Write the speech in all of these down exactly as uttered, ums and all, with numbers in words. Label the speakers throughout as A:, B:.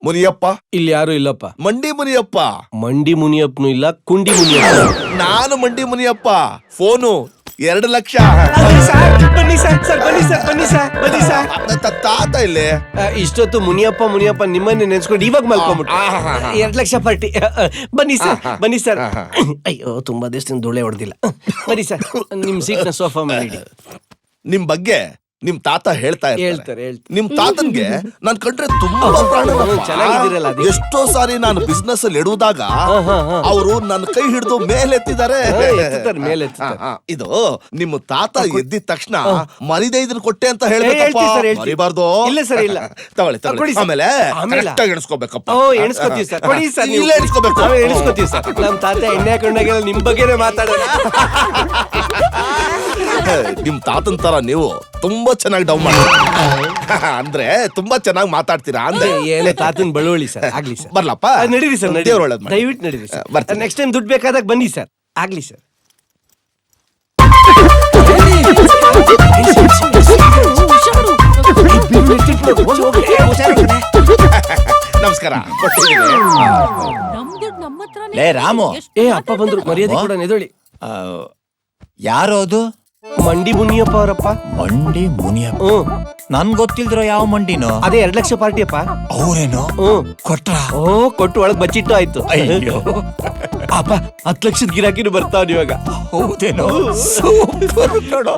A: ಮುನಿಯಪ್ಪ
B: ಇಲ್ಲಿ ಯಾರು ಇಲ್ಲಪ್ಪ.
A: ಮಂಡಿ ಮುನಿಯಪ್ಪ.
B: ಮಂಡಿ ಮುನಿಯಪ್ಪನು ಇಲ್ಲ, ಕುಂಡಿ ಮುನಿಯಪ್ಪ.
A: ನಾನು ಮಂಡಿ ಮುನಿಯಪ್ಪ. ಫೋನು ಎರಡು ಲಕ್ಷ.
B: ಬನ್ನಿ ಸರ್, ಸರ್ ಬನ್ನಿ ಸರ್, ಬನ್ನಿ ಸರ್, ಬನ್ನಿ ಸರ್.
A: ತಾತ ಇಲ್ಲಿ
B: ಇಷ್ಟೊತ್ತು ಮುನಿಯಪ್ಪ ಮುನಿಯಪ್ಪ ನಿಮ್ಮನ್ನೇ ನೆನ್ಸ್ಕೊಂಡು ಇವಾಗ ಮಲ್ಕೊಂಡ್ಬಿಟ್ಟು ಎರಡ್ ಲಕ್ಷ ಪಾರ್ಟಿ. ಬನ್ನಿ ಸರ್, ಬನ್ನಿ ಸರ್. ಅಯ್ಯೋ ತುಂಬಾ ದಿವಸದಿಂದ ಧೂಳೆ ಹೊಡೆದಿಲ್ಲ. ಬನ್ನಿ ಸರ್, ನಿಮ್ ಸೀಟ್ ನ ಸೋಫಾ ಮಾಡಿ.
A: ನಿಮ್ ಬಗ್ಗೆ ನಿಮ್ ತಾತ ಹೇಳ್ತಾ
B: ಹೇಳ್ತಾರೆ ಹೇಳ್ತಾರೆ.
A: ನಿಮ್ ತಾತನ್ಗೆ ನಾನ್ ಕಂಡ್ರೆ ತುಂಬಾ ಪ್ರಾಣ.
B: ಚೆನ್ನಾಗಿದ್ದೀರಲ್ಲ.
A: ಎಷ್ಟೋ ಸಾರಿ ನಾನು ಬಿಸ್ನೆಸ್ ಅಲ್ಲಿ ಇಡುವುದಾಗ ಅವರು ನನ್ನ ಕೈ ಹಿಡಿದು ಮೇಲೆತ್ತಿದ್ದಾರೆ.
B: ಮೇಲೆ
A: ಇದು ನಿಮ್ಮ ತಾತ ಎದ್ದಿದ ತಕ್ಷಣ ಮರಿದೆ ಇದನ್ನ ಕೊಟ್ಟೆ ಅಂತ ಹೇಳ್ಬೇಕಪ್ಪ. ಮರಿಬಾರ್ದು.
B: ಇಲ್ಲ ಸರ್, ಇಲ್ಲ.
A: ತಗೊಳ್ಳಿ ತಗೊಳ್ಳಿ. ಆಮೇಲೆ ಎಣಿಸ್ಕೋಬೇಕಪ್ಪ.
B: ಎಣಿಸ್ಕೋತೀವಿ ಸರ್. ಕೊಡಿ ಸರ್.
A: ಇಲ್ಲ ಎಣಿಸ್ಕೋಬೇಕು.
B: ಎಣಿಸ್ಕೋತೀವಿ ಸರ್. ನಮ್ ತಾತ ಎಣ್ಣೆ ಹಾಕೊಂಡಾಗೆಲ್ಲ ನಿಮ್ ಬಗ್ಗೆನೇ ಮಾತಾಡೋಣ.
A: ನಿಮ್ ತಾತನ್ ತರ ನೀವು ತುಂಬಾ ಚೆನ್ನಾಗಿ ಡೌನ್ ಮಾಡ್ತೀರಾ. ಅಂದ್ರೆ ತುಂಬಾ ಚೆನ್ನಾಗಿ ಮಾತಾಡ್ತೀರಾ ಅಂದ್ರೆ.
B: ಏನು ತಾತನ್ ಬಳುವಳಿ ಸರ್. ಆಗ್ಲಿ ಸರ್.
A: ಬರ್ಲಪ್ಪ.
B: ನಡೀರಿ ಸರ್, ದಯವಿಟ್ಟು ನಡೀರಿ ಸರ್. ನೆಕ್ಸ್ಟ್ ಟೈಮ್ ದುಡ್ಡು ಬೇಕಾದಾಗ ಬನ್ನಿ ಸರ್. ಆಗ್ಲಿ ಸರ್.
A: ನಮಸ್ಕಾರ.
C: ಲೇ ರಾಮು.
B: ಏ ಅಪ್ಪ ಬಂದ್ರು, ಮರ್ಯಾದೆ ಕೂಡ ಎದೊಳಿ.
C: ಯಾರು ಅದು?
B: ಮಂಡಿ ಮುನಿಯಪ್ಪ ಅವರಪ್ಪ.
C: ಮಂಡಿ ಮುನಿಯಪ್ಪ?
B: ಹ್ಮ್.
C: ನನ್ ಗೊತ್ತಿಲ್ದಿರೋ ಯಾವ ಮಂಡಿನೋ?
B: ಅದೇ ಎರಡ್ ಲಕ್ಷ ಪಾರ್ಟಿ ಅಪ್ಪ.
C: ಅವ್ರೇನೋ?
B: ಹ್ಮ್.
C: ಕೊಟ್ರ?
B: ಓ ಕೊಟ್ಟು ಒಳಗ್ ಬಚ್ಚಿಟ್ಟು ಆಯ್ತು.
C: ಅಯ್ಯೋ
B: ಅಪ್ಪ ಹತ್ ಲಕ್ಷದ ಗಿರಾಕಿನೂ ಬರ್ತಾವ ಇವಾಗ.
C: ಹೌದೇನೋ? ಸೂಪರ್ ಕಣೋ.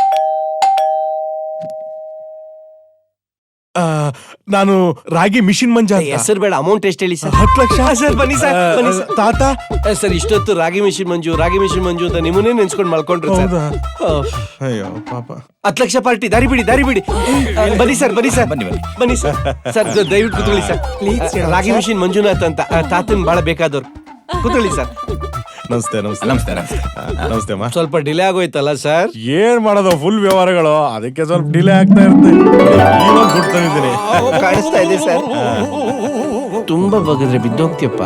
D: ನಾನು ರಾಗಿ ಮಿಷಿನ್ ಮಂಜ.
B: ಹೆಸರು ಬೇಡ, ಅಮೌಂಟ್ ಎಷ್ಟು ಹೇಳಿ ಸರ್?
D: ಹತ್ತು ಲಕ್ಷ.
B: ಸರ್ ಬನ್ನಿ ಸರ್, ಬನ್ನಿ ಸರ್.
D: ತಾತ
B: ಸರ್ ಇಷ್ಟೊತ್ತು ರಾಗಿ ಮಿಷಿನ್ ಮಂಜು ರಾಗಿ ಮಿಷಿನ್ ಮಂಜು ಅಂತ ನಿಮ್ಮನ್ನೇ ನೆನ್ಸ್ಕೊಂಡು ಮಲ್ಕೊಂಡ್ರು ಸರ್.
D: ಅಯ್ಯೋ ಪಾಪ.
B: ಹತ್ತು ಲಕ್ಷ ಪಾರ್ಟಿ. ದಾರಿ ಬಿಡಿ, ದಾರಿ ಬಿಡಿ. ಬನ್ನಿ ಸರ್, ಬನ್ನಿ ಸರ್,
C: ಬನ್ನಿ ಬನ್ನಿ
B: ಬನ್ನಿ ಸರ್. ಸರ್ ದಯವಿಟ್ಟು ಕೂತ್ಕೊಳ್ಳಿ ಸರ್. ರಾಗಿ ಮಿಷಿನ್ ಮಂಜುನಾಥ್ ಅಂತ ತಾತನ್ ಬಹಳ ಬೇಕಾದವ್ರು. ಕೂತ್ಕೊಳ್ಳಿ ಸರ್.
D: ನಮಸ್ತೆ ನಮಸ್ತೆ
C: ನಮಸ್ತೆ ನಮಸ್ತೆ
D: ನಮಸ್ತೆ ಅಮ್ಮ.
B: ಸ್ವಲ್ಪ ಡಿಲೇ ಆಗೋಯ್ತಲ್ಲ ಸರ್?
D: ಏನ್ ಮಾಡೋದು, ಫುಲ್ ವ್ಯವಹಾರಗಳು, ಅದಕ್ಕೆ ಸ್ವಲ್ಪ ಡಿಲೇ ಆಗ್ತಾ ಇರುತ್ತೆ. ಇವಾಗ ದುಡ್ಡು ತಂದಿದ್ದೀನಿ.
B: ಕಾಣಿಸ್ತಾ ಇದೆ ಸರ್. ತುಂಬಾ ಬಗದ್ರೆ ಬಿದ್ದೋಗ್ತಿಯಪ್ಪ.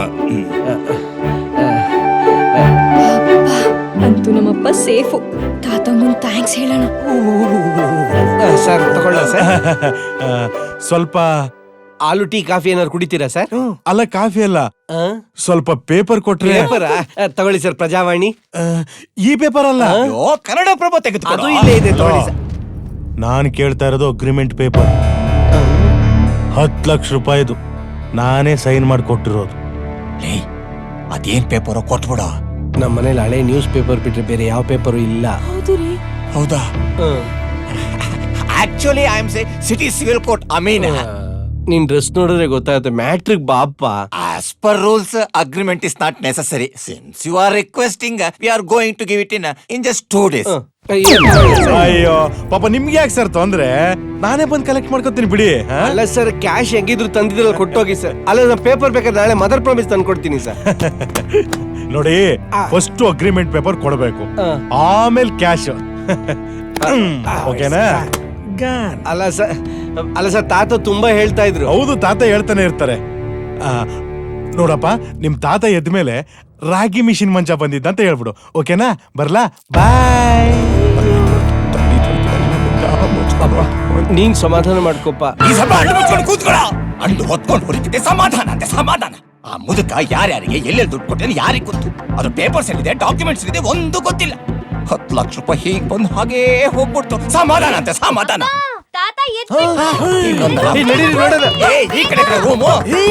E: ಅಂತೂ ನಮ್ಮಪ್ಪ ಸೇಫು. ತಾತಂಗೊಂದು ಥ್ಯಾಂಕ್ಸ್ ಹೇಳೋಣ.
B: ಸರ್ ತಗೊಳ್ಳ ಸರ್.
D: ಸ್ವಲ್ಪ
B: ಆಲೂ ಟೀ ಕಾಫಿ ಏನಾದ್ರು ಕುಡಿತೀರಾ ಸರ್?
D: ಅಲ್ಲ, ಕಾಫಿ ಅಲ್ಲ, ಸ್ವಲ್ಪ ಪೇಪರ್ ಕೊಟ್ರೆ.
B: ಪೇಪರ್ ತಗೊಳ್ಳಿ ಸರ್. ಪ್ರಜಾವಾಣಿ.
D: ಈ ಪೇಪರ್ ಅಲ್ಲ,
C: ಕನ್ನಡ ಪ್ರಭ ತೆಗೆದು.
B: ಅದು ಇಲ್ಲೇ ಇದೆ, ತಗೊಳ್ಳಿ ಸರ್.
D: ನಾನ್ ಕೇಳ್ತಾ ಇರೋದು ಅಗ್ರಿಮೆಂಟ್ ಪೇಪರ್. ಹತ್ತು ಲಕ್ಷ ರೂಪಾಯಿದು ನಾನೇ ಸೈನ್ ಮಾಡಿ ಕೊಟ್ಟಿರೋದು.
C: ಅದೇನ್ ಪೇಪರ್ ಕೊಟ್ಬಿಡ.
B: ನಮ್ಮ ಮನೇಲಿ ಹಳೆ ನ್ಯೂಸ್ ಪೇಪರ್ ಬಿಟ್ರೆ ಬೇರೆ ಯಾವ ಪೇಪರು ಇಲ್ಲ.
C: ಹೌದಾ? Actually I am say city civil court. I mean
B: ನಿನ್ ಡ್ರೆಸ್ ನೋಡಿದ್ರೆ ಗೊತ್ತಾಗುತ್ತೆ. ಮ್ಯಾಟ್ರಿಕ್ ಬಾಪ್ಪ.
C: As per rules agreement is not necessary. Since you are requesting, we are going to give it in in just two days.
D: ಅಯ್ಯೋ ಪಾಪ, ನಿಮ್ಗೆ ಯಾಕೆ sir ತೊಂದ್ರೆ? ನಾನೇ ಬಂದು ಕಲೆಕ್ಟ್ ಮಾಡ್ಕೊತೀನಿ ಬಿಡಿ.
B: ಅಲ್ಲ ಸರ್, ಕ್ಯಾಶ್ ಹೆಂಗಿದ್ರು ತಂದಿದ್ರಲ್ಲ, ಕೊಟ್ಟೋಗಿ ಸರ್. ಅಲ್ಲ ನಾ ಪೇಪರ್ ಬೇಕಾದ್ರೆ ನಾಳೆ ಮದರ್ ಪ್ರಾಮಿಸ್ ತಂದು ಕೊಡ್ತೀನಿ ಸರ್.
D: ನೋಡಿ, ಫಸ್ಟ್ ಅಗ್ರಿಮೆಂಟ್ ಪೇಪರ್ ಕೊಡಬೇಕು, ಆಮೇಲೆ ಕ್ಯಾಶ್. ಓಕೆನಾ?
B: ಅಲ್ಲ ಸರ್, ಅಲ್ಲ ಸರ್, ತಾತ ತುಂಬಾ ಹೇಳ್ತಾ ಇದ್ರು.
D: ಹೌದು, ತಾತ ಹೇಳ್ತಾನೆ ಇರ್ತಾರೆ. ನೋಡಪ್ಪ, ನಿಮ್ ತಾತ ಎದ್ಮೇಲೆ ರಾಗಿ ಮಿಷಿನ್ ಮಂಚ ಬಂದಿದ್ದ ಅಂತ ಹೇಳ್ಬಿಡು. ಓಕೆನಾ? ಬರ್ಲಾ? ಬಾಯ್.
B: ನೀನ್ ಸಮಾಧಾನ ಮಾಡ್ಕೊಪ್ಪ.
C: ಅಂಡು ಹೊತ್ಕೊಂಡು ಹೊರಿತಿದ್ದೆ. ಸಮಾಧಾನ ಅಂತೆ ಸಮಾಧಾನ. ಆ ಮುದುಕ ಯಾರ್ಯಾರಿಗೆ ಎಲ್ಲೆಲ್ಲಿ ದುಡ್ಡು ಕೊಟ್ಟೆ ಯಾರಿಗೆ ಗೊತ್ತು? ಅದು ಪೇಪರ್ಸ್ ಎಲ್ಲಿದೆ, ಡಾಕ್ಯುಮೆಂಟ್ಸ್ ಇದೆ, ಒಂದು ಗೊತ್ತಿಲ್ಲ. ಹತ್ತು ಲಕ್ಷ ರೂಪಾಯಿ ಹೀಗ್ ಬಂದು ಹಾಗೇ ಹೋಗ್ಬಿಡ್ತು. ಸಮಾಧಾನ ಅಂತೆ ಸಮಾಧಾನ. ಈ ಕಡೆ ರೂಮು.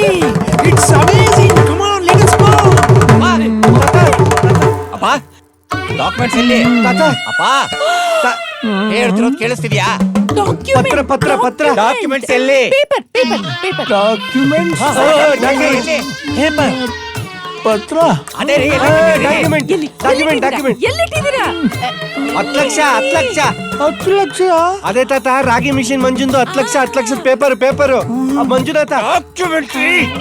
C: ಅಪ್ಪ, ಡಾಕ್ಯುಮೆಂಟ್ಸ್ ಎಲ್ಲಿ? ಅಪ್ಪ ಹೇಳ್ತಿರೋದು ಕೇಳಿಸ್ತಿದ್ಯಾ?
B: ಪತ್ರ ಪತ್ರ ಪತ್ರ
C: ಡಾಕ್ಯುಮೆಂಟ್ಸ್ ಎಲ್ಲಿ?
B: ಡಾಕ್ಯುಮೆಂಟ್ಸ್ ಪತ್ರ.
C: ಅದೇ ರೀ,
B: ಡಾಕ್ಯುಮೆಂಟ್ ಡಾಕ್ಯುಮೆಂಟ್ ಡಾಕ್ಯುಮೆಂಟ್. ಹತ್ತು ಲಕ್ಷ ಹತ್ತು ಲಕ್ಷ ಹತ್ತು ಲಕ್ಷ. ಅದೇ ತಾತ, ರಾಗಿ ಮಿಷಿನ್ ಮಂಜುಂದು ಹತ್ತು ಲಕ್ಷ ಹತ್ತು ಲಕ್ಷದ ಪೇಪರ್ ಪೇಪರು ಮಂಜುನಾಥ.
C: ಡಾಕ್ಯುಮೆಂಟ್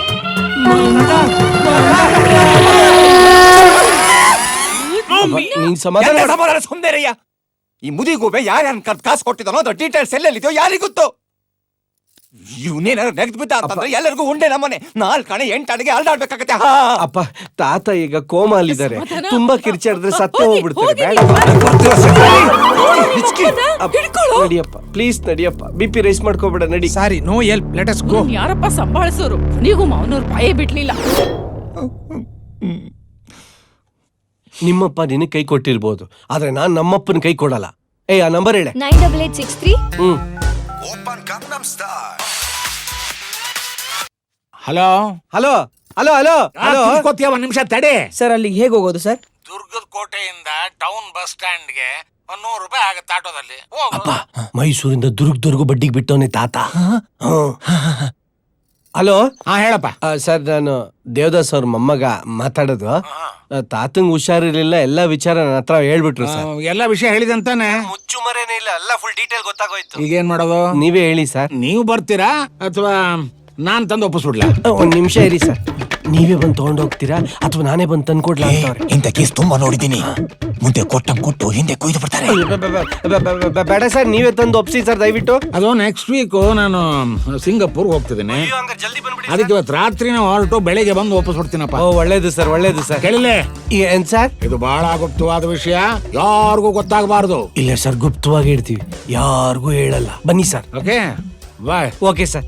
B: ನೀನ್ ಸಮಾಧಾನ
C: ಸುಂದರಯ್ಯ. ಈ ಮುದಿಗೂಬೆ ಯಾರ್ಯಾರ ಕಾಸು ಕೊಟ್ಟಿದ್ದಾನೋ ಅದ್ರ ಡೀಟೇಲ್ಸ್ ಎಲ್ಲೆಲ್ಲಿದೆಯೋ ಯಾರಿಗೊತ್ತು? ಇವನೇನಾರು ನೆಗ್ದು ಬಿದ್ದ ಅಂತಂದ್ರೆ ಎಲ್ಲರಿಗೂ ಉಂಡೆ ನಮ್ಮನೆ ನಾಲ್ಕು ಕಣೆ ಎಂಟು ಅಡಿಗೆ ಅಲ್ದಾಡ್ಬೇಕಾಗತ್ತೆ. ಹಾ
B: ಅಪ್ಪ ತಾತ ಈಗ ಕೋಮಾಲಿದ್ದಾರೆ, ತುಂಬಾ ಕಿರ್ಚಾಡಿದ್ರೆ ಸತ್ತು ಹೋಗ್ಬಿಡ್ತಾರೆ. ಬೇಡ ಅಪ್ಪ, ನಡಿಯಪ್ಪ ಪ್ಲೀಸ್ ನಡಿಯಪ್ಪ, ಬಿ ಪಿ ರೈಸ್ ಮಾಡ್ಕೋಬೇಡ, ನಡಿ.
F: Sorry, no help, let us go.
G: ಯಾರಪ್ಪ ಸಂಭಾಳಿಸೋರು? ನೀವು ಮಾವನವ್ರು ಬಾಯೇ ಬಿಡ್ಲಿಲ್ಲ.
B: ನಿಮ್ಮಪ್ಪ ನಿನಗೆ ಕೈ ಕೊಟ್ಟಿರ್ಬೋದು, ಆದ್ರೆ ನಾನ್ ನಮ್ಮಪ್ಪನ ಕೈ ಕೊಡಲ್ಲ. ಏ ಆ ನಂಬರ್ ಹೇಳೆ.
E: Nine double eight six three.
B: Hmm
F: hello
B: hello hello hello hello
F: ಕೂತ್ಕೋತೀಯ, ಒಂದ್ ನಿಮಿಷ ತಡೆ.
H: ಸರ್ ಅಲ್ಲಿಗೆ ಹೇಗೆ ಹೋಗೋದು ಸರ್?
F: ದುರ್ಗದ ಕೋಟೆಯಿಂದ ಟೌನ್ ಬಸ್ ಸ್ಟ್ಯಾಂಡ್ಗೆ ಒಂದ್ ನೂರು ರೂಪಾಯಿ ಆಗತ್ತೆ ಆಟೋದಲ್ಲಿ.
B: ಅಪ್ಪ ಮೈಸೂರಿಂದ ದುರ್ಗದವರೆಗೂ ಬಡ್ಡಿಗೆ ಬಿಟ್ಟವನೇ ತಾತ. ಹಲೋ
F: ಹಾ ಹೇಳಪ್ಪ.
B: ಸರ್ ನಾನು ದೇವದಾಸ್ ಅವ್ರ ಮೊಮ್ಮಗ ಮಾತಾಡೋದು. ಆ, ತಾತಂಗ್ ಹುಷಾರಿರ್ಲಿಲ್ಲ, ಎಲ್ಲಾ ವಿಚಾರ ನನ್ನ ಹತ್ರ ಹೇಳ್ಬಿಟ್ರು ಸರ್.
F: ಎಲ್ಲಾ ವಿಷಯ ಹೇಳಿದಂತಾನೆ.
B: ಮುಚ್ಚು ಮರೇನೇ ಇಲ್ಲ, ಎಲ್ಲ ಫುಲ್ ಡೀಟೇಲ್ ಗೊತ್ತಾಗೋಯ್ತು.
F: ಈಗೇನ್ ಮಾಡೋದು?
B: ನೀವೇ ಹೇಳಿ ಸರ್.
F: ನೀವು ಬರ್ತೀರಾ ಅಥವಾ ನಾನ್ ತಂದು ಒಪ್ಪಿಸ್ಬಿಡ್ಲಾ?
B: ಒಂದ್ ನಿಮಿಷ ಇರಿ ಸರ್, ನೀವೇ ಬಂದು ತಗೊಂಡ್ ಹೋಗ್ತೀರಾ ಅಥವಾ ನಾನೇ ಬಂದು ತಂದ್ಕೊಡ್ಲಾ ಅಂತವ್ರೆ.
C: ಇಂಥ ಕೇಸ್ ತುಂಬಾ ನೋಡಿದ್ದೀನಿ. ಮುಂದೆ ಕೊಟ್ಟಂಗ್ ಕೊಟ್ಟು ಹಿಂದೆ ಕೊಯ್ದು ಬಿಡ್ತಾರೆ.
B: ಬೇಡ ಸರ್, ನೀವೇ ತಂದು ಒಪ್ಸಿ ಸರ್ ದಯವಿಟ್ಟು.
F: ಅದು ನೆಕ್ಸ್ಟ್ ವೀಕ್ ನಾನು ಸಿಂಗಾಪುರ್ ಹೋಗ್ತಿದ್ದೀನಿ. ಅದಕ್ಕೆ ಇವತ್ತು ರಾತ್ರಿನ ಹೊರಟು ಬೆಳಿಗ್ಗೆ ಬಂದು ಒಪ್ಪಿಸ್ಬಿಡ್ತೀನಪ್ಪ.
B: ಓ ಒಳ್ಳೇದು ಸರ್, ಒಳ್ಳೇದು ಸರ್.
F: ಕೇಳಿಲ್ಲ?
B: ಏನ್ ಸರ್?
F: ಇದು ಬಹಳ ಗುಪ್ತವಾದ ವಿಷಯ, ಯಾರಿಗೂ ಗೊತ್ತಾಗಬಾರ್ದು.
B: ಇಲ್ಲ ಸರ್, ಗುಪ್ತವಾಗಿ ಇಡ್ತೀವಿ, ಯಾರಿಗೂ ಹೇಳಲ್ಲ. ಬನ್ನಿ sir.
F: Okay bye.
B: Okay sir.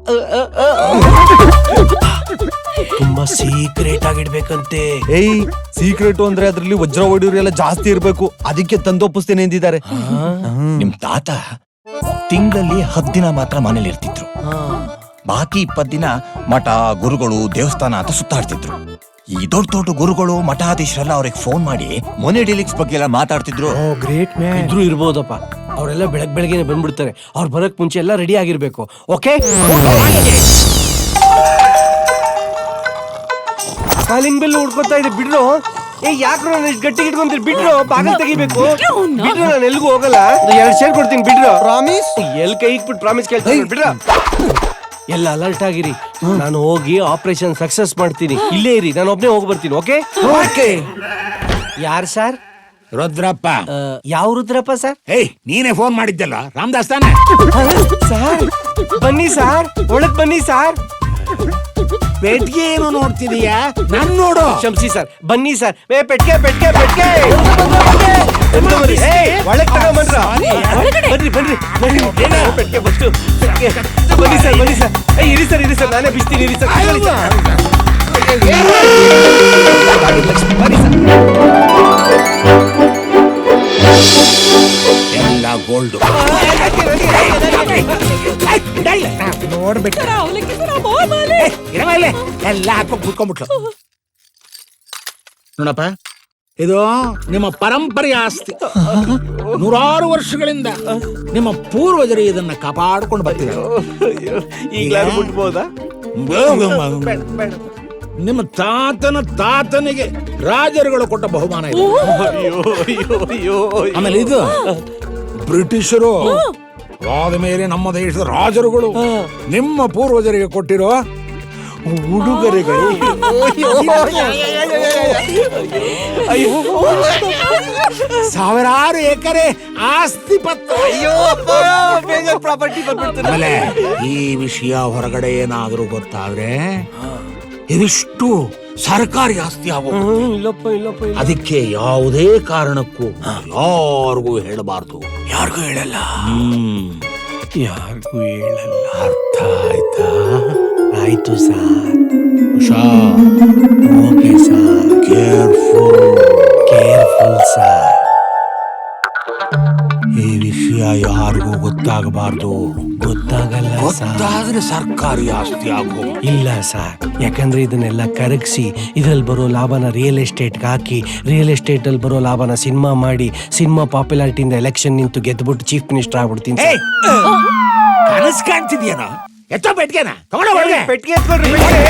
B: ತುಂಬಾ ಸೀಕ್ರೆಟ್ ಆಗಿಡ್ಬೇಕಂತೆ.
I: ಏಯ್ ಸೀಕ್ರೆಟ್ ಅಂದ್ರೆ ಅದ್ರಲ್ಲಿ ವಜ್ರ ಹೊಡಿಯೋರೆಲ್ಲ ಜಾಸ್ತಿ ಇರ್ಬೇಕು, ಅದಕ್ಕೆ ತಂದೊಪ್ಪಿಸ್ತೇನೆ ಎಂದಿದ್ದಾರೆ.
C: ನಿಮ್ ತಾತ ತಿಂಗಳಲ್ಲಿ ಹತ್ತು ದಿನ ಮಾತ್ರ ಮನೇಲಿ ಇರ್ತಿದ್ರು. ಬಾಕಿ ಇಪ್ಪತ್ ದಿನ ಮಠ, ಗುರುಗಳು, ದೇವಸ್ಥಾನ ಅಂತ ಸುತ್ತಾಡ್ತಿದ್ರು. ಈ ದೊಡ್ಡ ದೊಡ್ಡ ಗುರುಗಳು, ಮಠಾಧೀಶರೆಲ್ಲ ಅವ್ರಿಗೆ ಫೋನ್ ಮಾಡಿ ಮೊನೆ ಡೀಲಿಂಗ್ಸ್ ಬಗ್ಗೆ ಎಲ್ಲ ಮಾತಾಡ್ತಿದ್ರು.
B: Great man. ಇದ್ರು ಇರ್ಬೋದಪ್ಪ, ಅವರೆಲ್ಲ ಬೆಳಗ್ ಬೆಳಗ್ಗೆನೆ ಬಂದ್ಬಿಡ್ತಾರೆ. ಅವ್ರು ಬರಕ್ ಮುಂಚೆ ಎಲ್ಲ ರೆಡಿ ಆಗಿರ್ಬೇಕು. ಓಕೆ. ಕಾಲಿಂಗ್ ಬೆಲ್ ಹುಡ್ಕೊತಾ ಇದೆ, ಬಿಡ್ರು. ಏ ಯಾಕ್ರು ನಾನು ಇಷ್ಟು ಗಟ್ಟಿಗೆ ಇಟ್ಕೊಂತೀರಿ? ಬಿಡ್ರು, ಬಾಗಿಲು ತೆಗಿಬೇಕು. ಬಿಡ್ರು, ನಾನು ಎಲ್ಗೂ ಹೋಗಲ್ಲ. ಎರಡು ಶೇರ್ ಕೊಡ್ತೀನಿ, ಬಿಡ್ರು. ಪ್ರಾಮಿಸ್? ಎಲ್ ಕೈ ಇಟ್ಬಿಟ್ಟು ಪ್ರಾಮಿಸ್ ಕೇಳ್ತೀನಿ, ಬಿಡ್ರ. ಎಲ್ಲ ಅಲರ್ಟ್ ಆಗಿರಿ, ನಾನು ಹೋಗಿ ಆಪರೇಷನ್ ಸಕ್ಸಸ್ ಮಾಡ್ತೀನಿ. ಇಲ್ಲೇ ಇರಿ, ನಾನು ಒಬ್ನೇ ಹೋಗಿ ಬರ್ತೀನಿ. Okay okay. ಯಾರು ಸರ್?
F: ರುದ್ರಪ್ಪ.
B: ಯಾವ ರುದ್ರಪ್ಪ ಸರ್?
F: ಏಯ್ ನೀನೇ ಫೋನ್ ಮಾಡಿದ್ದಲ್ಲ, ರಾಮದಾಸ್ ತಾನೆ?
B: ಸರ್ ಬನ್ನಿ ಸರ್, ಒಳಗ್ ಬನ್ನಿ ಸರ್.
F: ಪೆಟ್ಗೆ ಏನು ನೋಡ್ತಿದೀಯಾ? ನನ್ ನೋಡು.
B: ಕ್ಷಮಿಸಿ ಸರ್, ಬನ್ನಿ ಸರ್. ಏ ಪೆಟ್ಕೆ ಪೆಟ್ಕೆ ಪೆಟ್ಕೆ ಒಳಗ್ ತಗೊಂಬಂದ್ರ? ಬನ್ರಿ ಬನ್ರಿ ಬನ್ರಿ. ಪೆಟ್ಕೆ ಫಸ್ಟು ಪೆಟ್ಕೆ. ಬನ್ನಿ ಸರ್, ಬನ್ನಿ ಸರ್. ಏ ಇರಿ ಸರ್, ಇರಿ ಸರ್, ನಾನೇ ಬಿಸ್ತೀನಿ, ಇರಿ ಸರ್. ಬನ್ನಿ ಸರ್.
F: ಎಲ್ಲ ಗೋಲ್ಡ್ ನೋಡ್ಬಿಟ್ಟು ಎಲ್ಲ ಹಾಕೋ ಕುತ್ಕೊಂಡ್ಬಿಟ್ಲು. ನೋಡಪ್ಪ, ಇದು ನಿಮ್ಮ ಪರಂಪರೆಯ ಆಸ್ತಿ. ನೂರಾರು ವರ್ಷಗಳಿಂದ ನಿಮ್ಮ ಪೂರ್ವಜರು ಇದನ್ನ ಕಾಪಾಡ್ಕೊಂಡು ಬರ್ತಿದ್ದಾರೆ.
B: ಈಗಲಾರು ಬಿಡ್ಬೋದಾ?
F: ನಿಮ್ಮ ತಾತನ ತಾತನಿಗೆ ರಾಜರುಗಳು ಕೊಟ್ಟ ಬಹುಮಾನ ಇದು. ಆಮೇಲೆ ಇದು ಬ್ರಿಟಿಷರು ಆದ ಮೇಲೆ ನಮ್ಮ ದೇಶದ ರಾಜರುಗಳು ನಿಮ್ಮ ಪೂರ್ವಜರಿಗೆ ಕೊಟ್ಟಿರೋ ಉಡುಗೊರೆಗಳು. ಸಾವಿರಾರು ಎಕರೆ ಆಸ್ತಿ ಪತ್ರ.
B: ಪ್ರಾಪರ್ಟಿ ಬಂದ್ಬಿಡ್ತಾರೆ.
F: ಆಮೇಲೆ ಈ ವಿಷಯ ಹೊರಗಡೆ ಏನಾದರೂ ಗೊತ್ತಾದ್ರೆ ಇದಿಷ್ಟು ಸರ್ಕಾರಿ ಆಸ್ತಿ ಆಗೋದು.
B: ಇಲ್ಲಪ್ಪ ಇಲ್ಲಪ್ಪ ಇಲ್ಲ.
F: ಅದಕ್ಕೆ ಯಾವುದೇ ಕಾರಣಕ್ಕೂ ಯಾರಿಗೂ ಹೇಳಬಾರ್ದು.
B: ಯಾರಿಗೂ ಹೇಳಲ್ಲ.
F: ಹ್ಮ್
B: ಯಾರಿಗೂ ಹೇಳಲ್ಲ.
F: ಅರ್ಥ ಆಯ್ತಾ?
B: ಆಯ್ತು ಸರ್.
F: ಹುಷಾರ್.
B: Okay sir.
F: Careful
B: careful sir.
F: ಈ ವಿಷಯ ಯಾರಿಗೂ ಗೊತ್ತಾಗಬಾರ್ದು.
B: ಗೊತ್ತಾಗಲ್ಲ ಸರ್.
F: ಗೊತ್ತಾದ್ರೆ ಸರ್ಕಾರಿ ಆಸ್ತಿ ಆಗೋ.
B: ಇಲ್ಲ ಸರ್, ಯಾಕಂದ್ರೆ ಇದನ್ನೆಲ್ಲ ಕರಗಿಸಿ ಇದ್ರಲ್ಲಿ ಬರೋ ಲಾಭನ ರಿಯಲ್ ಎಸ್ಟೇಟ್ಗೆ ಹಾಕಿ, ರಿಯಲ್ ಎಸ್ಟೇಟ್ ಅಲ್ಲಿ ಬರೋ ಲಾಭನ ಸಿನಿಮಾ ಮಾಡಿ, ಸಿನಿಮಾ ಪಾಪ್ಯುಲಾರಿಟಿಯಿಂದ ಎಲೆಕ್ಷನ್ ನಿಂತು ಗೆದ್ಬಿಟ್ಟು ಚೀಫ್ ಮಿನಿಸ್ಟರ್ ಆಗ್ಬಿಡ್ತೀನಿ.
F: ಕನಸ್ ಕಾಣ್ತಿದ್ಯೇನೋ? ಎತ್ತ ಪೆಟ್ಗೆನ ತಗೊಂಡ ಒಳಗೆ.
B: ಪೆಟ್ಟಿಗೆ ಎತ್ಕೊಳ್ರಿ.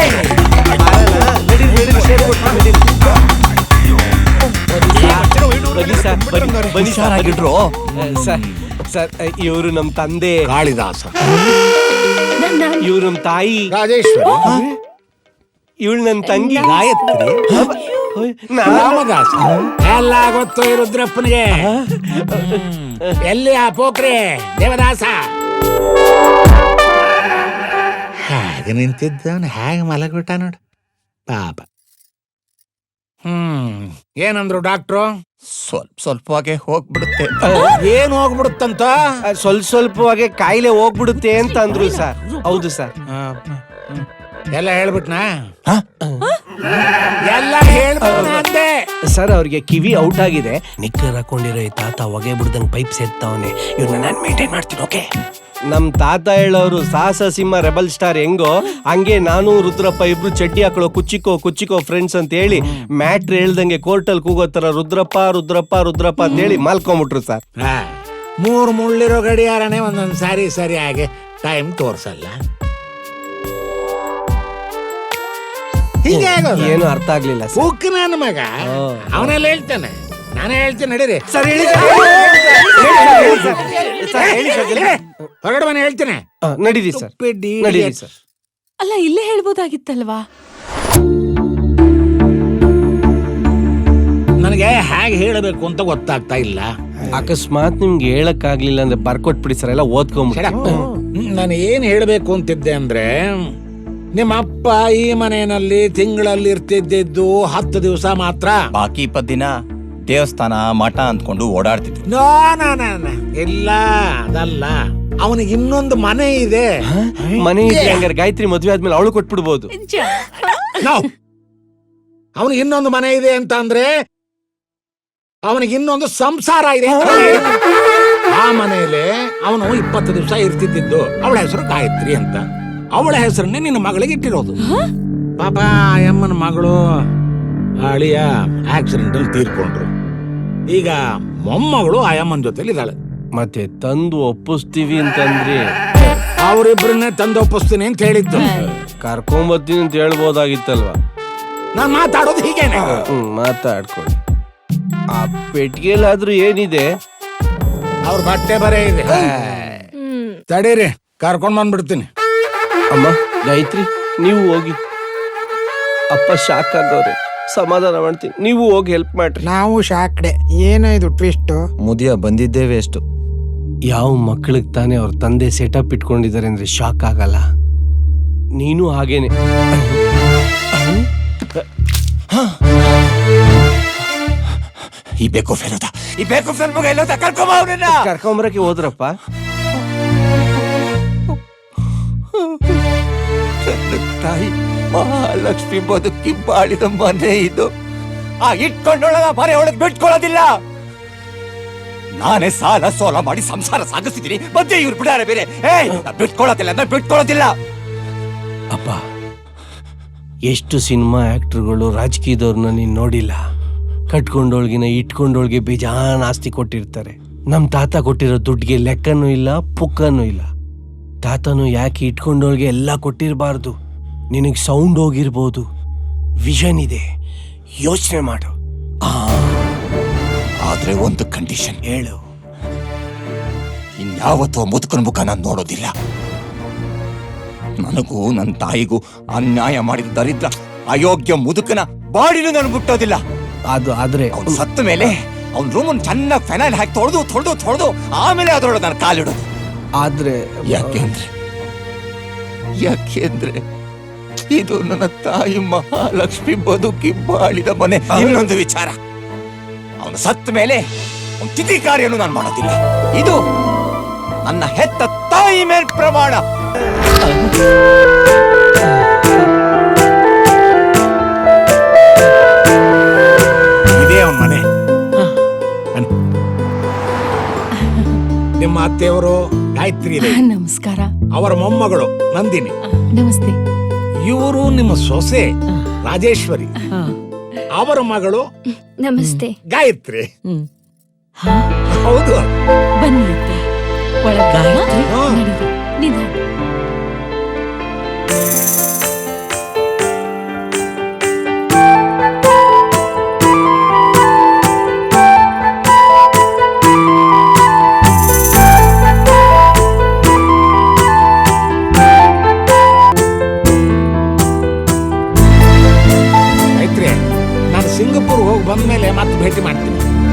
B: ಬನ್ನಿ ಸರ್, ಬನ್ನಿ ಸರ್.
C: ಆಗಿಡ್ರು.
B: ಸರ್ ಸರ್, ಇವರು ನಮ್ ತಂದೆ
F: ಕಾಳಿದಾಸ,
B: ಇವ್ರು ನಮ್ ತಾಯಿ
F: ರಾಜೇಶ್ವರಿ,
B: ಇವಳು ನನ್ ತಂಗಿ
F: ಗಾಯತ್ರಿ, ರಾಮದಾಸ. ಎಲ್ಲ ಗೊತ್ತು ಈ ರುದ್ರಪ್ಪನಿಗೆ. ಎಲ್ಲಿ ಆ ಪೋಖ್ರೆ ದೇವದಾಸ? ಹಾಗೆ ನಿಂತಿದ್ದವನು ಹೇಗೆ ಮಲಗ್ಬಿಟ್ಟ ನೋಡು ಪಾಪ. ಹ್ಮ್ ಏನಂದ್ರು ಡಾಕ್ಟ್ರು?
C: ಸ್ವಲ್ಪ ಸ್ವಲ್ಪವಾಗೆ ಹೋಗ್ಬಿಡುತ್ತೆ.
F: ಏನ್ ಹೋಗ್ಬಿಡುತ್ತಂತ?
B: ಆ, ಸ್ವಲ್ಪ ಸ್ವಲ್ಪವಾಗಿ ಕಾಯಿಲೆ ಹೋಗ್ಬಿಡುತ್ತೆ ಅಂತ ಅಂದ್ರು ಸರ್. ಹೌದು ಸರ್.
F: ಆ, ಹ್ಮ್. ಎಲ್ಲ ಹೇಳ್ಬಿಟ್ನಾ? ಎಲ್ಲ ಹೇಳ್ಬಿಟ್ನ ಅಂದೆ.
B: ಸರ್ ಅವ್ರಿಗೆ ಕಿವಿ ಔಟ್ ಆಗಿದೆ. ನಿಕ್ಕರ್ ಹಾಕೊಂಡಿರೋ ಈ ತಾತ ಹೊಗೆ ಬಿಡ್ದಂಗ್ ಪೈಪ್ ಸೇರ್ತಾವನೆ. ಇವ್ರನ್ನ ನಾನು ಮೇಂಟೈನ್ ಮಾಡ್ತೀನಿ. ಓಕೆ. ನಮ್ ತಾತ ಹೇಳೋರು ಸಾಹಸ ಸಿಂಹ ರೆಬಲ್ ಸ್ಟಾರ್ ಹೆಂಗೋ ಹಂಗೆ ನಾನು ರುದ್ರಪ್ಪ ಇಬ್ರು ಚಡ್ಡಿ ಹಾಕೊಳ್ಳೋ ಕುಚ್ಚಿಕೋ ಕುಚ್ಚಿಕೋ ಫ್ರೆಂಡ್ಸ್ ಅಂತ ಹೇಳಿ ಮ್ಯಾಟ್ರ್ ಹೇಳ್ದಂಗೆ ಕೋರ್ಟಲ್ ಕೂಗೋ ತರ ರುದ್ರಪ್ಪ ರುದ್ರಪ್ಪ ರುದ್ರಪ್ಪ ಅಂತ ಹೇಳಿ ಮಾಲ್ಕೊಂಬಿಟ್ರು ಸರ್.
F: ಹಾ, ಮೂರ್ ಮುಳ್ಳಿರೋ ಗಡಿಯಾರನೇ ಒಂದೊಂದ್ ಸಾರಿ ಸರಿಯಾಗಿ ಟೈಮ್ ತೋರ್ಸಲ್ಲ. ಹೀಗೆ ಆಗೋದು.
B: ಏನು ಅರ್ಥ ಆಗ್ಲಿಲ್ಲ ಸರ್.
F: ಉಕ್ಕು ನನ್ನ ಮಗ ಅವನೆಲ್ಲ ಹೇಳ್ತಾನೆ, ನಾನೇ ಹೇಳ್ತೀನಿ ನಡೀರಿ.
B: ಸರ್ ಹೇಳಿ
F: ಹೊರಗಡೆ ಮನೆ ಹೇಳ್ತೇನೆ.
B: ನಡೀರಿ ಸರ್. ನಡೀರಿ ಸರ್.
G: ಅಲ್ಲ ಇಲ್ಲೇ ಹೇಳ್ಬೋದಾಗಿತ್ತಲ್ವಾ?
F: ನನಗೆ ಹೇಗೆ ಹೇಳಬೇಕು ಅಂತ ಗೊತ್ತಾಗ್ತಾ ಇಲ್ಲ.
B: ಅಕಸ್ಮಾತ್ ನಿಮ್ಗೆ ಹೇಳಕ್ ಆಗ್ಲಿಲ್ಲ ಅಂದ್ರೆ ಬರ್ಕೊಟ್ಬಿಡಿ ಸರ್, ಎಲ್ಲ ಓದ್ಕೊಂಬಿಡಿ.
F: ನಾನು ಏನ್ ಹೇಳ್ಬೇಕು ಅಂತಿದ್ದೆ ಅಂದ್ರೆ, ನಿಮ್ಮ ಅಪ್ಪ ಈ ಮನೆಯಲ್ಲಿ ತಿಂಗಳಲ್ಲಿ ಇರ್ತಿದ್ದು ಹತ್ತು ದಿವಸ ಮಾತ್ರ.
C: ಬಾಕಿ ಇಪ್ಪತ್ತು ದಿನ ದೇವಸ್ಥಾನ ಮಠ ಅಂದ್ಕೊಂಡು ಓಡಾಡ್ತಿದ್ರು.
F: No no no no. ಇಲ್ಲ ಅದಲ್ಲ, ಅವನಿಗೆ ಇನ್ನೊಂದು ಮನೆ ಇದೆ.
B: ಮನೆ ಇದ್ರೆ ಹಂಗಾರೆ ಗಾಯತ್ರಿ ಮದ್ವೆ ಆದ್ಮೇಲೆ ಅವಳು ಕೊಟ್ಬಿಡ್ಬೋದು.
F: ಅವನಿಗೆ ಇನ್ನೊಂದು ಮನೆ ಇದೆ ಅಂತ ಅಂದ್ರೆ ಅವನಿಗೆ ಇನ್ನೊಂದು ಸಂಸಾರ ಇದೆ. ಆ ಮನೆಯಲ್ಲಿ ಅವನು ಇಪ್ಪತ್ತು ದಿವಸ ಇರ್ತಿದ್ದು. ಅವಳ ಹೆಸರು ಗಾಯತ್ರಿ ಅಂತ. ಅವಳ ಹೆಸರನ್ನೇ ನಿನ್ನ ಮಗಳಿಗೆ ಇಟ್ಟಿರೋದು. ಪಾಪ ಅಮ್ಮನ ಮಗಳು ಅಳಿಯ ಆಕ್ಸಿಡೆಂಟ್ ಅಲ್ಲಿ ತೀರ್ಕೊಂಡ್ರು. ಈಗ ಮೊಮ್ಮಗಳು ಅಯ್ಯಮ್ಮನ ಜೊತೆಲಿ ಇದ್ದಾಳೆ.
B: ಮತ್ತೆ ತಂದು ಒಪ್ಪಿಸ್ತೀವಿ ಅಂತಂದ್ರಿ.
F: ಅವರಿಬ್ಬರನ್ನೇ ತಂದು ಒಪ್ಪಿಸ್ತೀನಿ ಅಂತ ಹೇಳಿದ್ದು.
B: ಕರ್ಕೊಂಬತ್ತೀನಿ ಅಂತ ಹೇಳ್ಬೋದಾಗಿತ್ತಲ್ವಾ?
F: ನಾನ್ ಮಾತಾಡೋದು ಹೀಗೇನೆ.
B: ಹ್ಮ್ ಮಾತಾಡ್ಕೊಳ್ಳಿ. ಆ ಪೆಟ್ಟಿಗೆಲಾದ್ರೂ ಏನಿದೆ?
F: ಅವ್ರ ಬಟ್ಟೆ ಬರೇ ಇದೆ. ತಡೀರಿ, ಕರ್ಕೊಂಡ್ ಬಂದ್ಬಿಡ್ತೀನಿ.
B: ಅಮ್ಮ ಗಾಯತ್ರಿ ನೀವು ಹೋಗಿ. ಅಪ್ಪ ಶಾಕ್ ಆಗವ್ರೆ, ಸಮಾಧಾನ ಮಾಡ್ತೀನಿ. ನೀವು ಹೋಗಿ ಹೆಲ್ಪ್ ಮಾಡ್ರಿ.
H: ನಾವು ಶಾಕ್ಡೆ. ಏನೋ ಇದು ಟ್ವಿಸ್ಟ್.
I: ಮುದಿಯ ಬಂದಿದ್ದೇವೆ ಎಷ್ಟು.
B: ಯಾವ ಮಕ್ಕಳಿಗೆ ತಾನೇ ಅವ್ರ ತಂದೆ ಸೆಟಪ್ ಇಟ್ಕೊಂಡಿದ್ದಾರೆ ಅಂದ್ರೆ ಶಾಕ್ ಆಗಲ್ಲ. ನೀನು ಹಾಗೇನೆ.
C: ಈ ಬೇಕು ಫೇಲೋದ ಈ ಬೇಕು ಫೇಲ್ ಮಗ ಎಲ್ಲೋದ ಕರ್ಕೊಂಬ ಅವ್ರನ್ನ.
B: ಕರ್ಕೊಂಬರಕ್ಕೆ ಹೋದ್ರಪ್ಪ.
C: ತಾಯಿ ಮಹಾಲಕ್ಷ್ಮಿ ಬದುಕಿ ಬಾಳಿದ ಮನೆ ಇದು. ಆ ಇಟ್ಕೊಂಡೊಳಗ ಮನೆ ಒಳಗೆ ಬಿಟ್ಕೊಳ್ಳೋದಿಲ್ಲ. ನಾನೇ ಸಾಲ ಸೋಲ ಮಾಡಿ ಸಂಸಾರ ಸಾಗಿಸ್ತಿದ್ದೀನಿ. ಮಧ್ಯೆ ಇವ್ರು ಬಿಡಾರೆ ಬೇರೆ. ಏಯ್ ಬಿಟ್ಕೊಳ್ಳೋದಿಲ್ಲ ಅಂದ್ರೆ ಬಿಟ್ಕೊಳ್ಳೋದಿಲ್ಲ.
B: ಅಪ್ಪ ಎಷ್ಟು ಸಿನಿಮಾ ಆಕ್ಟರ್ಗಳು ರಾಜಕೀಯದವ್ರನ್ನ ನೀನ್ ನೋಡಿಲ್ಲ. ಕಟ್ಕೊಂಡೋಳ್ಗಿನ ಇಟ್ಕೊಂಡೋಳ್ಗೆ ಬೇಜಾನ್ ಆಸ್ತಿ ಕೊಟ್ಟಿರ್ತಾರೆ. ನಮ್ ತಾತ ಕೊಟ್ಟಿರೋ ದುಡ್ಡಿಗೆ ಲೆಕ್ಕನೂ ಇಲ್ಲ, ಪುಕ್ಕನೂ ಇಲ್ಲ. ತಾತನು ಯಾಕೆ ಇಟ್ಕೊಂಡೋಳ್ಗೆ ಎಲ್ಲ ಕೊಟ್ಟಿರಬಾರ್ದು? ನಿನಗೆ ಸೌಂಡ್ ಹೋಗಿರ್ಬೋದು, ವಿಷನ್ ಇದೆ, ಯೋಚನೆ ಮಾಡು.
C: ಆದ್ರೆ ಒಂದು ಕಂಡೀಷನ್.
B: ಹೇಳು.
C: ಇನ್ಯಾವತ್ತೂ ಮುದುಕನ ಮುಖ ನಾನು ನೋಡೋದಿಲ್ಲ. ನನಗೂ ನನ್ನ ತಾಯಿಗೂ ಅನ್ಯಾಯ ಮಾಡಿದ ದರಿದ್ರ ಅಯೋಗ್ಯ ಮುದುಕನ ಬಾಡಿನೂ ನಾನು ಬಿಟ್ಟೋದಿಲ್ಲ.
B: ಅದು ಆದ್ರೆ
C: ಅವ್ನು ಸತ್ತ ಮೇಲೆ ಅವ್ನ ರೂಮನ್ ಚೆನ್ನಾಗಿ ಫೆನೈಲ್ ಹಾಕಿ ತೊಳೆದು ತೊಳೆದು ತೊಳೆದು ಆಮೇಲೆ ಅದ್ರೊಳಗೆ ನಾನು ಕಾಲಿಡೋದು.
B: ಆದ್ರೆ
C: ಯಾಕೆಂದ್ರೆ ಯಾಕೆಂದ್ರೆ ಇದು ನನ್ನ ತಾಯಿ ಮಹಾಲಕ್ಷ್ಮಿ ಬದುಕಿ ಬಾಳಿದ ಮನೆ. ಇನ್ನೊಂದು ವಿಚಾರ, ಅವನು ಸತ್ತ ಮೇಲೆ ಒಂದು ತಿಥಿ ಕಾರ್ಯನು ನಾನು ಮಾಡೋದಿಲ್ಲ. ಇದು ನನ್ನ ಹೆತ್ತ ತಾಯಿ ಮೇಲ್ ಪ್ರಮಾಣ.
F: ಇದೇ ಅವನ ಮನೆ. ನಿಮ್ಮ ಅತ್ತೆಯವರು ಗಾಯತ್ರಿ ಇದೆ.
G: ನಮಸ್ಕಾರ.
F: ಅವರ ಮೊಮ್ಮಗಳು ನಂದಿನಿ.
G: ನಮಸ್ತೆ.
E: ಇವರು ನಿಮ್ಮ ಸೊಸೆ ರಾಜೇಶ್ವರಿ, ಅವರ ಮಗಳು
J: ನಮಸ್ತೆ
E: ಗಾಯತ್ರಿ.
G: ಹ್ಮ್.
E: ಹೌದು.
G: ಬನ್ನಿ ಅತ್ತೆ, ಒಳಗೆ
E: ಗಾಯತ್ರಿ? ಹಾ.
G: ನಡೀರಿ, ನಿಧಾನ.
E: ಗಾಯತ್ರಿ, ನಾನು ಸಿಂಗಪುರ್ ಹೋಗಿ ಬಂದ್ಮೇಲೆ ಮತ್ತೆ ಭೇಟಿ ಮಾಡ್ತೀನಿ.